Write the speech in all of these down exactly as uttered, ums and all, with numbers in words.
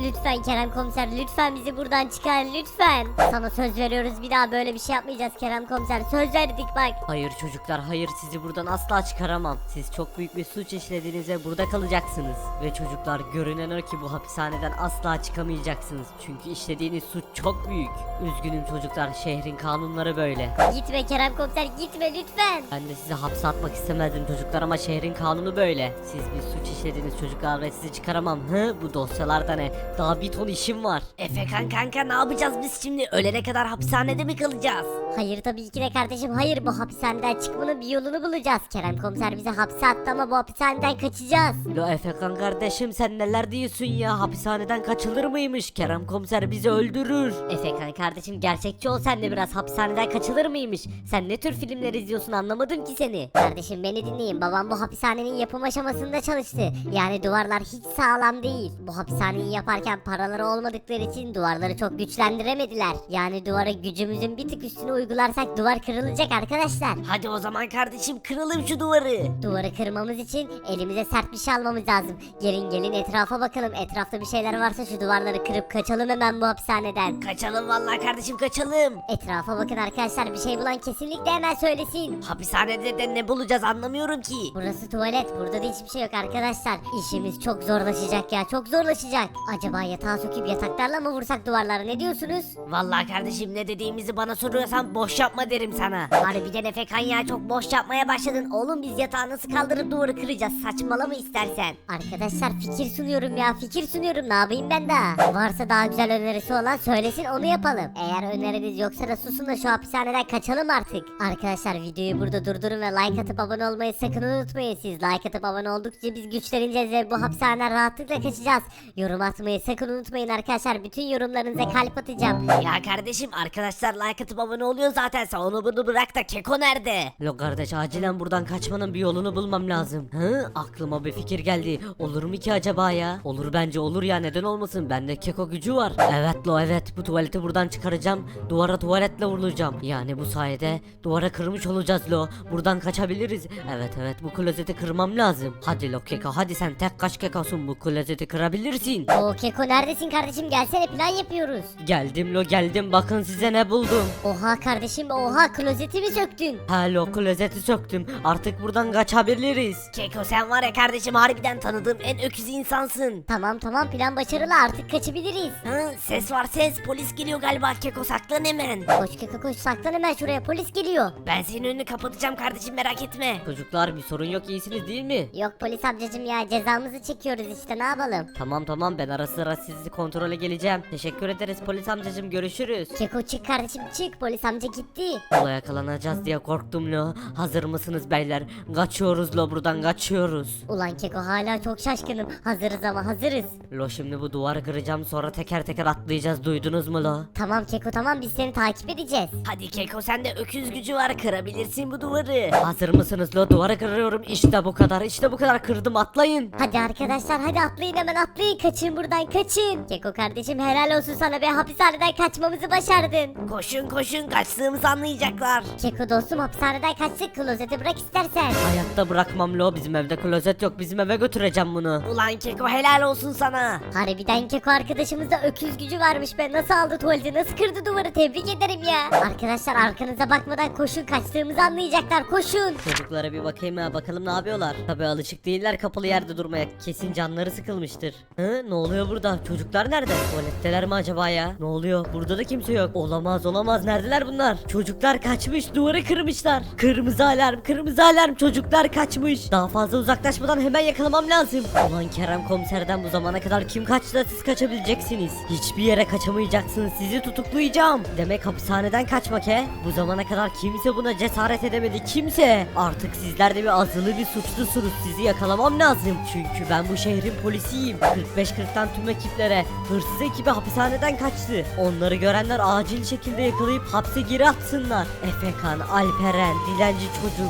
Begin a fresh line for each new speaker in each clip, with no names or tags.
lütfen Kerem komiser, lütfen bizi buradan çıkar lütfen. Sana söz veriyoruz, bir daha böyle bir şey yapmayacağız Kerem komiser, söz verdik bak.
Hayır çocuklar, hayır, sizi buradan asla çıkaramam. Siz çok büyük bir suç işlediğinizde burada kalacaksınız. Ve çocuklar, görünen o ki bu hapishaneden asla çıkamayacaksınız. Çünkü işlediğiniz suç çok büyük. Üzgünüm çocuklar, şehrin kanunları böyle.
Gitme Kerem komiser, gitme lütfen.
Ben de sizi hapse atmak istemezdim çocuklar ama şehrin kanunu böyle. Siz bir suç işlediniz çocuklar ve sizi çıkaramam. Hı, bu dosyalarda ne? Daha bir ton işim var.
Efekan kanka, ne yapacağız biz şimdi? Ölene kadar hapishanede mi kalacağız?
Hayır tabii ki de kardeşim, hayır, bu hapishaneden çıkmanın bir yolunu bulacağız. Kerem komiser bizi hapse attı ama bu hapishaneden kaçacağız.
Lo Efekan kardeşim, sen neler diyorsun ya? Hapishaneden kaçılır mıymış? Kerem komiser bizi öldürür.
Efekan kardeşim, gerçekçi ol sen de biraz, hapishaneden kaçılır mıymış? Sen ne tür filmler izliyorsun, anlamadım ki seni. Kardeşim beni dinleyin, babam bu hapishanenin yapım aşamasında çalıştı. Yani duvarlar hiç sağlam değil. Bu hapishaneyi yaparken paraları olmadıkları için duvarları çok güçlendiremediler. Yani duvara gücümüzün bir tık üstüne uygularsak duvar kırılacak arkadaşlar.
Hadi o zaman kardeşim, kıralım şu duvarı.
Duvarı kırmamız için elimize sert bir şey almamız lazım. Gelin gelin etrafa bakalım. Etrafta bir şeyler varsa şu duvarları kırıp kaçalım hemen bu hapishaneden.
Kaçalım vallahi kardeşim, kaçalım.
Etrafa bakın arkadaşlar, bir şey bulan kesinlikle hemen söylesin.
Hapishanede de ne bulacağız anlamıyorum ki.
Burası tuvalet. Burada da hiçbir şey yok arkadaşlar. İşimiz çok zorlaşacak ya. Çok zorlaşacak. Acaba yatağa söküp yataklarla mı vursak duvarları? Ne diyorsunuz?
Vallahi kardeşim, ne dediğimizi bana soruyorsan boş yapma derim sana. Harbiden Efekan ya, çok boş yapmaya başladın. Oğlum biz yatağı nasıl kaldırıp duvarı kıracağız? Saçmalama istersen.
Arkadaşlar fikir sunuyorum ya. Fikir sunuyorum. Ne yapayım ben daha? Varsa daha güzel önerisi olan söylesin, onu yapalım. Eğer öneriniz yoksa da susun da şu hapishaneden kaçalım artık. Arkadaşlar videoyu burada durdurun ve like atıp abone olmayı sakın unutmayın. Siz like atıp abone oldukça biz güçleneceğiz ve bu hapishaneden rahatlıkla kaçacağız. Yorum atmayı sakın unutmayın arkadaşlar. Bütün yorumlarınıza kalp atacağım.
Ya kardeşim, arkadaşlar like atıp abone oluyor zaten, sen onu bunu bırak da Keko nerede?
Lo kardeş, acilen buradan kaçmanın bir yolunu bulmam lazım. Hı? Aklıma bir fikir geldi. Olur mu ki acaba ya? Olur, bence olur ya, neden olmasın? Bende keko gücü var. Evet lo, evet, bu tuvaleti buradan çıkaracağım. Duvara tuvaletle vurulacağım. Yani bu sayede duvara kırmış olacağız lo. Buradan kaçabiliriz. Evet evet, bu klozeti kırmam lazım. Hadi lo keko, hadi sen tek kaç kekosun, bu klozeti kırabilirsin.
O Keko neredesin kardeşim? Gelsene, plan yapıyoruz.
Geldim lo, geldim, bakın size ne buldum.
Oha kardeşim, oha, klozeti mi söktün?
Ha lo, klozeti söktüm. Artık buradan kaçabiliriz.
Keko sen var ya kardeşim, harbiden tanıdığım en öküz insansın.
Tamam tamam, plan başarılı, artık kaçabiliriz.
Hı, ses var ses, polis geliyor galiba. Keko saklan hemen.
Koş Keko koş, saklan hemen şuraya, polis geliyor.
Ben senin önünü kapatacağım kardeşim, merak etme.
Çocuklar, bir sorun yok, iyisiniz değil mi?
Yok polis amcacım ya, cezamızı çekiyoruz işte, ne yapalım.
Tamam tamam, ben ara sıra sizi kontrole geleceğim. Teşekkür ederiz polis amcacım, görüşürüz.
Keko çık kardeşim çık, polis amca gitti.
Ola yakalanacağız diye korktum lo. Hazır mısınız beyler? Kaçıyoruz lo, buradan kaçıyoruz.
Ulan Keko, hala çok şaşkınım. Hazırız ama hazırız.
Lo şimdi bu duvarı kıracağım, sonra teker teker atlayacağız, duydunuz mu lo?
Tamam Keko tamam, biz seni takip edeceğiz.
Hadi Keko, sende öküz gücü var, kırabilirsin bu duvarı.
Hazır mısınız lo? Duvarı kırıyorum, işte bu kadar, işte bu kadar, kırdım, atlayın.
Hadi arkadaşlar, hadi atlayın hemen, atlayın, kaçın buradan, kaçın. Keko kardeşim, helal olsun sana be, hapishaneden kaçmamızı başardın.
Koşun koşun, kaçtığımızı anlayacaklar.
Keko dostum, hapishaneden kaçtık, klozeti bırak istersen.
Hayatta bırakmam lo, bizim evde klozet yok, bizim eve götüreceğim bunu.
Ulan Keko, helal olsun sana.
Harbiden Keko arkadaşımızda öküz gücü varmış be, nasıl aldı tuvaleti, nasıl kırdı duvarı, tebrik ederim ya. Arkadaşlar arkanıza bakmadan koşun, kaçtığımızı anlayacaklar, koşun.
Çocuklara bir bakayım ha, bakalım ne yapıyorlar. Tabi alışık değiller kapalı yerde durmaya, kesin canları sıkılmıştır. Hı, ne oluyor burada? Çocuklar nerede? Tuvaletteler mi acaba ya? Ne oluyor? Burada da kimse yok. Olamaz olamaz, neredeler bunlar? Çocuklar kaçmış, duvarı kırmışlar. Kırmızı alarm, kırmızı alarm, çocuklar kaçmış. Daha fazla uzaklaşmadan hemen yakalamam lazım. Ulan Kerem komiserden bu zamana kadar kim kaçtı da siz kaçabileceksiniz? Hiçbir yere kaçamayacaksınız, sizi tutuklayacağım. Demek hapishaneden kaçmak he? Bu zamana kadar kimse buna cesaret edemedi, kimse. Artık sizler de bir azılı bir suçlusunuz, sizi yakalamam lazım. Çünkü ben bu şehrin polisiyim. kırk beş kırktan tüm ekiplere, hırsız ekibi hapishaneden kaçtı. Onları görenler acil şekilde yakalayıp hapse geri atsınlar. Efekan, Alperen, Dilenci Çocuk,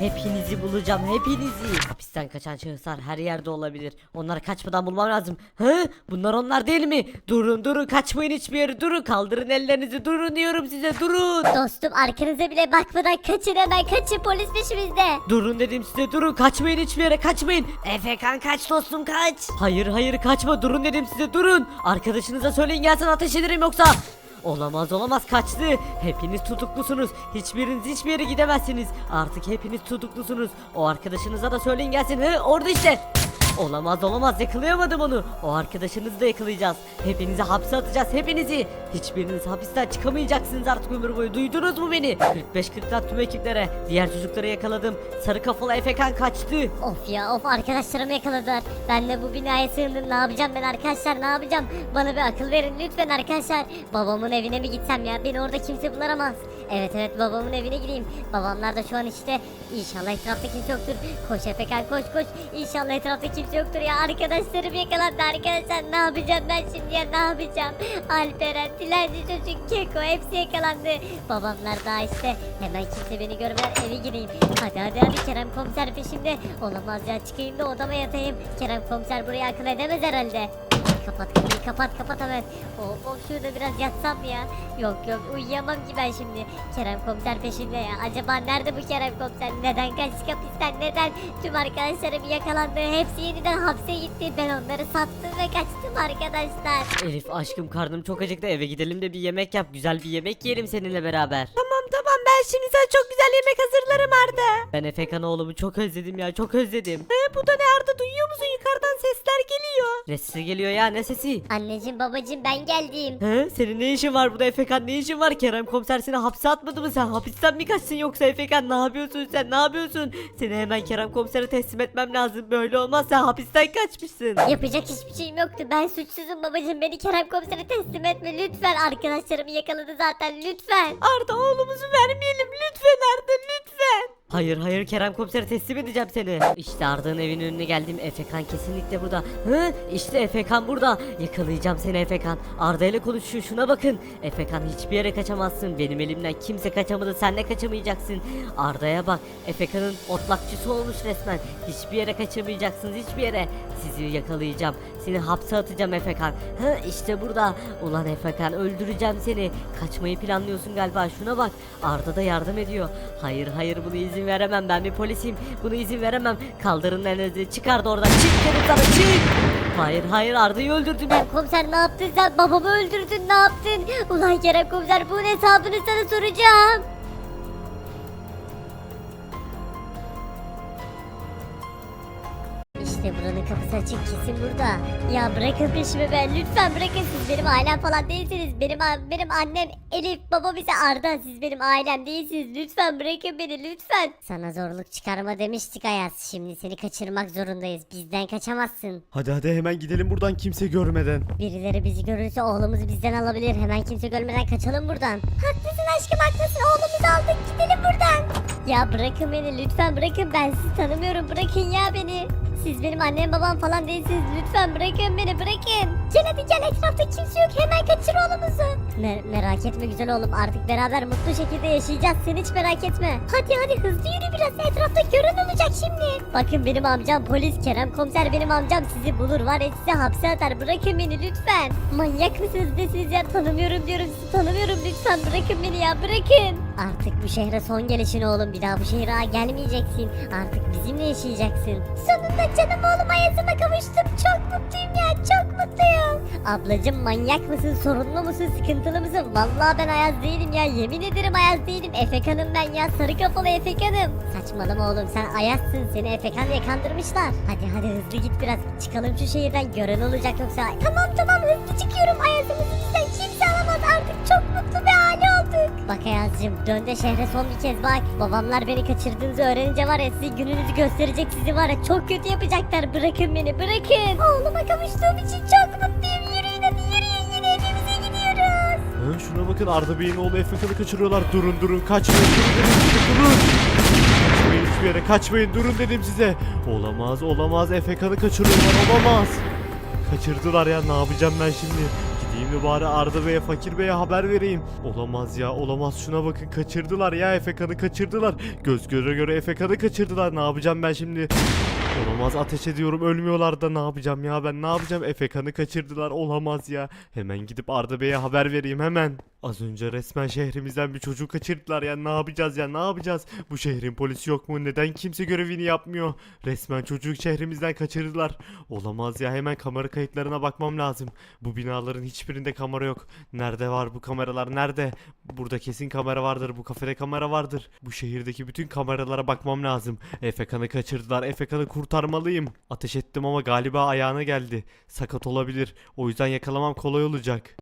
Hepinizi bulacağım, hepinizi. Hapisten kaçan şahıslar her yerde olabilir. Onları kaçmadan bulmam lazım. Hı? Bunlar onlar değil mi? Durun durun, kaçmayın hiçbir yere, durun. Kaldırın ellerinizi, durun diyorum size, durun.
Dostum arkanıza bile bakmadan kaçın, hemen kaçın, polis peşimizde.
Durun dedim size, durun. Kaçmayın hiçbir yere, kaçmayın.
Efekan kaç dostum kaç.
Hayır hayır, kaçma, durun dedim size, durun. Arkadaşınıza söyleyin gelsin, ateş ederim yoksa. Olamaz olamaz, kaçtı. Hepiniz tutuklusunuz. Hiçbiriniz hiçbir yere gidemezsiniz. Artık hepiniz tutuklusunuz. O arkadaşınıza da söyleyin gelsin. Hı, orada işte. Olamaz olamaz, yakalayamadım onu. O arkadaşınızı da yakalayacağız. Hepinizi hapse atacağız, hepinizi. Hiçbiriniz hapisten çıkamayacaksınız artık ömür boyu. Duydunuz mu beni? kırk beş kırk tüm ekiplere. Diğer çocukları yakaladım. Sarı kafalı Efekan kaçtı.
Of ya of, arkadaşlarımı yakaladılar. Ben de bu binaya sığındım. Ne yapacağım ben arkadaşlar, ne yapacağım? Bana bir akıl verin lütfen arkadaşlar. Babamın evine mi gitsem ya? Beni orada kimse bulamaz. Evet evet, babamın evine gideyim. Babamlar da şu an işte. İnşallah etrafta kimse yoktur. Koş Efekan koş koş. İnşallah etrafta kimse yoktur ya. Arkadaşlarım yakalandı arkadaşlar. Ne yapacağım ben şimdi ya, ne yapacağım? Alperen, Dilenci çocuk, Keko hepsi yakalandı. Babamlar daha işte. Hemen kimse beni görmeden eve gireyim. Hadi hadi hadi, Kerem komiser peşimde. Olamaz ya, çıkayım da odama yatayım. Kerem komiser burayı akıl edemez herhalde. Kapat kapıyı, kapat kapat hemen. Of of, şurada biraz yatsam mı ya? Yok yok, uyuyamam ki ben şimdi. Kerem komiser peşinde ya. Acaba nerede bu Kerem komiser? Neden kaçtı hapisten? Neden? Tüm arkadaşlarım yakalandı. Hepsi yeniden hapse gitti. Ben onları sattım ve kaçtım arkadaşlar.
Elif aşkım, karnım çok acıktı, eve gidelim de bir yemek yap. Güzel bir yemek yiyelim seninle beraber. Tamam tamam, ben şimdi sana çok güzel yemek hazırlarım Arda. Ben Efekan oğlumu çok özledim ya, çok özledim. He, bu da ne Arda, duyuyor musun? Yukarıdan sesler geliyor. Ne sesi geliyor ya, ne sesi?
Anneciğim babacığım, ben geldim.
He, senin ne işin var burada Efekan, ne işin var? Kerem komiser seni hapse atmadı mı? Sen hapisten mi kaçsın yoksa Efekan? Ne yapıyorsun sen, ne yapıyorsun? Seni hemen Kerem komisere teslim etmem lazım. Böyle olmaz, sen hapisten kaçmışsın.
Yapacak hiçbir şeyim yoktu. Ben suçsuzum babacığım. Beni Kerem komisere teslim etme lütfen. Arkadaşlarımı yakaladı zaten, lütfen.
Arda, oğlumuzu vermeyelim lütfen Arda, lütfen. Hayır hayır, Kerem komisere teslim edeceğim seni. İşte Arda'nın evinin önüne geldim. Efekan kesinlikle burada. Hı? İşte Efekan burada. Yakalayacağım seni Efekan. Arda ile konuşuyor, şuna bakın. Efekan, hiçbir yere kaçamazsın. Benim elimden kimse kaçamadı, sen de kaçamayacaksın. Arda'ya bak. Efekan'ın otlakçısı olmuş resmen. Hiçbir yere kaçamayacaksınız, hiçbir yere. Sizi yakalayacağım. Seni hapse atacağım Efekan. Hı, işte burada. Ulan Efekan, öldüreceğim seni. Kaçmayı planlıyorsun galiba, şuna bak. Arda da yardım ediyor. Hayır hayır, bunu izin veremem, ben bir polisim. Bunu izin veremem. Kaldırın elinizi, çıkar da oradan. Çık dedim sana, çık. Hayır hayır, Arda'yı öldürdün.
Kerem komiser, ne yaptın sen? Babamı öldürdün, ne yaptın? Ulan Kerem komiser, bunun hesabını sana soracağım. İşte buranın kapısı açık, kesin burada. Ya bırakın peşimi ben, lütfen bırakın, siz benim ailem falan değilsiniz. Benim a- benim annem Elif, babam ise Arda, siz benim ailem değilsiniz. Lütfen bırakın beni, lütfen. Sana zorluk çıkarma demiştik Ayaz. Şimdi seni kaçırmak zorundayız. Bizden kaçamazsın.
Hadi hadi hemen gidelim buradan kimse görmeden.
Birileri bizi görürse oğlumuzu bizden alabilir. Hemen kimse görmeden kaçalım buradan. Haklısın aşkım, haklısın. Oğlumuzu aldık, gidelim buradan. Ya bırakın beni, lütfen bırakın. Ben sizi tanımıyorum, bırakın ya beni. Siz benim annem babam falan değilsiniz. Lütfen bırakın beni, bırakın. Gel hadi gel, etrafta kimse yok. Hemen kaçır oğlumuzu. Me- merak etme güzel oğlum. Artık beraber mutlu şekilde yaşayacağız. Sen hiç merak etme. Hadi hadi hızlı yürü biraz. Etrafta gören olacak şimdi. Bakın benim amcam polis. Kerem komiser benim amcam. Sizi bulur var ya, size hapse atar. Bırakın beni lütfen. Manyak mısınız desiniz ya? Tanımıyorum diyorum, sizi tanımıyorum. Lütfen bırakın beni ya, bırakın. Artık bu şehre son gelişin oğlum. Bir daha bu şehre gelmeyeceksin. Artık bizimle yaşayacaksın. Sonunda canım oğlum Ayaz'ıma kavuştum. Çok mutluyum ya, çok mutluyum. Ablacım manyak mısın, sorunlu musun, sıkıntılı mısın? Vallahi ben Ayaz değilim ya, yemin ederim Ayaz değilim. Efekan'ım ben ya, sarı kafalı Efekan'ım. Saçmalama oğlum, sen Ayaz'sın, seni Efekan diye kandırmışlar. Hadi hadi hızlı git biraz, çıkalım şu şehirden, gören olacak yoksa. Tamam tamam, hızlı çıkıyorum. Ayaz'ımızı bizden kimse alamaz, artık çok mutlu bir aile olduk. Bak Ayaz'cığım, dön de şehre son bir kez bak. Babamlar beni kaçırdığınızı öğrenince var ya, size gününüzü gösterecek, sizi var ya çok kötü yapacaklar. Bırakın beni, bırakın. Oğluma kavuştuğum için çok mutluyum. Yürüyün hadi, yürüyün, yine evimize gidiyoruz.
Ha, şuna bakın, Arda Bey'in oğlu Efekan'ı kaçırıyorlar. Durun durun, kaçmayın, durun dedim size, durun. Kaçmayın hiçbir yere, kaçmayın, durun dedim size. Olamaz olamaz, Efekan'ı kaçırıyorlar, olamaz. Kaçırdılar ya, ne yapacağım ben şimdi? Gideyim de bari Arda Bey'e, Fakir Bey'e haber vereyim. Olamaz ya, olamaz, şuna bakın, kaçırdılar ya, Efekan'ı kaçırdılar. Göz göre göre Efekan'ı kaçırdılar. Ne yapacağım ben şimdi? Olamaz, ateş ediyorum, ölmüyorlar da ne yapacağım ya, ben ne yapacağım? Efekan'ı kaçırdılar, olamaz ya. Hemen gidip Arda Bey'e haber vereyim hemen. Az önce resmen şehrimizden bir çocuk kaçırdılar ya, ne yapacağız ya, ne yapacağız? Bu şehrin polisi yok mu? Neden kimse görevini yapmıyor? Resmen çocuğu şehrimizden kaçırdılar. Olamaz ya, hemen kamera kayıtlarına bakmam lazım. Bu binaların hiçbirinde kamera yok. Nerede var bu kameralar, nerede? Burada kesin kamera vardır, bu kafede kamera vardır. Bu şehirdeki bütün kameralara bakmam lazım. Efekan'ı kaçırdılar, Efekan'ı kurtarmalıyım. Ateş ettim ama galiba ayağına geldi. Sakat olabilir, o yüzden yakalamam kolay olacak.